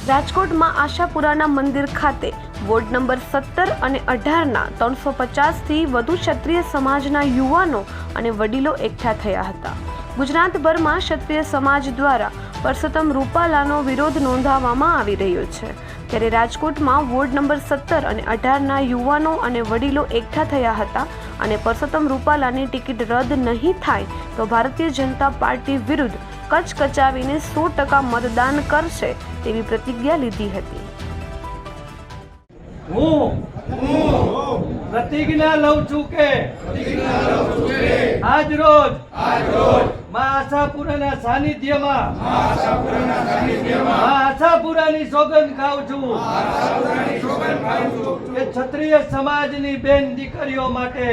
રાજકોટમાં આશાપુરાના મંદિર ખાતે વોર્ડ નંબર 17 અને 18ના 350થી વધુ ક્ષત્રિય સમાજના યુવાનો અને વડીલો એકઠા થયા હતા। ગુજરાતભરમાં ક્ષત્રિય સમાજ દ્વારા પરસોત્તમ રૂપાલાનો વિરોધ નોંધાવવામાં આવી રહ્યો છે, ત્યારે રાજકોટમાં વોર્ડ નંબર 17 અને 18ના યુવાનો અને વડીલો એકઠા થયા હતા અને પરસોત્તમ રૂપાલાની ટિકિટ રદ નહીં થાય તો ભારતીય જનતા પાર્ટી વિરુદ્ધ કચકચાવીને 100% મતદાન કરશે તેવી પ્રતિજ્ઞા લીધી હતી। હું પ્રતિજ્ઞા લઉં છું કે આજ રોજ મા આશાપુરાના સાનિધ્યમાં મા આશાપુરાની સોગંદ ખાઉં છું કે ક્ષત્રિય સમાજની બેન દીકરીઓ માટે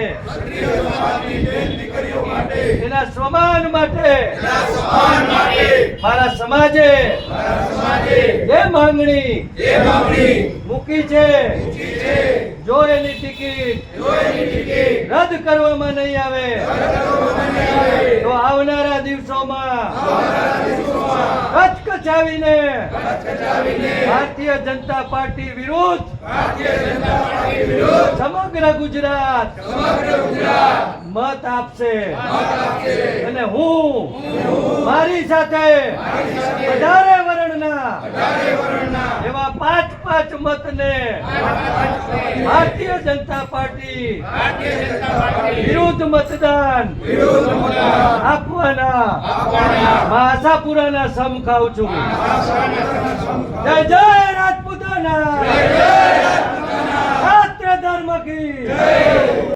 એના સ્વમાન માટે મારા સમાજે જે માંગણી મૂકી છે, જો એની ટિકિટ રદ કરવામાં નહીં આવે તો આવનારા દિવસોમાં કચકચાવીને ભારતીય જનતા પાર્ટી વિરુદ્ધ સમગ્ર ગુજરાત મત આપશે અને હું મારી સાથે વધારે વર્ણના એવા 5 મતને ભારતીય જનતા પાર્ટી વિરુદ્ધ મતદાન આપવાના મા આશાપુરાના સમ ખાઉં છું। જય જય રાજપૂતાના, રાષ્ટ્ર ધર્મ કી